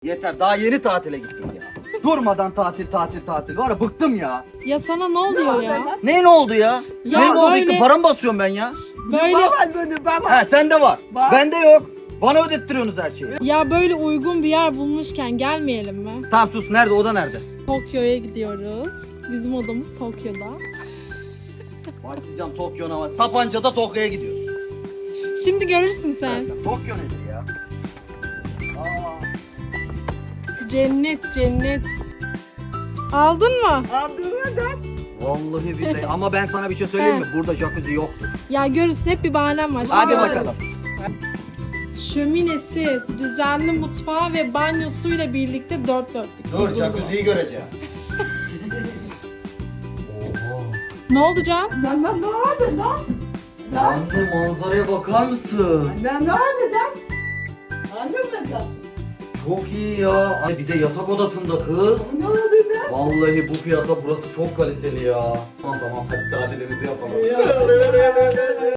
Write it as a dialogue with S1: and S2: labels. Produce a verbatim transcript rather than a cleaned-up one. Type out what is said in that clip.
S1: Yeter, daha yeni tatile gittim ya. Durmadan tatil tatil tatil. Var ya, bıktım ya.
S2: Ya sana ne oluyor ya?
S1: Ne ne oldu ya?
S2: Ya
S1: ne ne oldu?
S2: böyle-
S1: İlk para mı basıyorum ben ya?
S2: Böyle
S3: Baba böyle baba.
S1: Ha sende var.
S3: Var.
S1: Bende yok. Bana ödettiriyorsunuz her şeyi.
S2: ya böyle uygun bir yer bulmuşken gelmeyelim mi?
S1: Tamam sus, nerede, oda nerede?
S2: Tokyo'ya gidiyoruz. Bizim odamız Tokyo'da.
S1: Başlayacağım Tokyo'na var. Sapanca'da Tokyo'ya gidiyoruz.
S2: Şimdi görürsün sen.
S1: Sen Tokyo nedir ya? Aa.
S2: Cennet cennet. Aldın mı?
S3: Aldığına da
S1: Vallahi billahi ama ben sana bir şey söyleyeyim mi?
S2: He.
S1: Burada jacuzzi yoktur.
S2: Ya görürsün, hep bir bahanem var.
S1: Hadi
S2: Şimdi-
S1: bakalım.
S2: Şöminesi, düzenli mutfağı ve banyosuyla birlikte dört dörtlük.
S1: Dur, jacuzziyi göreceğim. Oha.
S2: Ne oldu Can?
S3: lan lan ne oldu lan? Lan
S1: Anne, manzaraya bakar mısın?
S3: lan ne oldu lan? Anladın mı?
S1: Çok iyi ya. Ay bir de yatak odasında kız.
S3: Ne oldu lan?
S1: Vallahi bu fiyata burası çok kaliteli ya. Tamam tamam, hadi tatilimizi yapalım.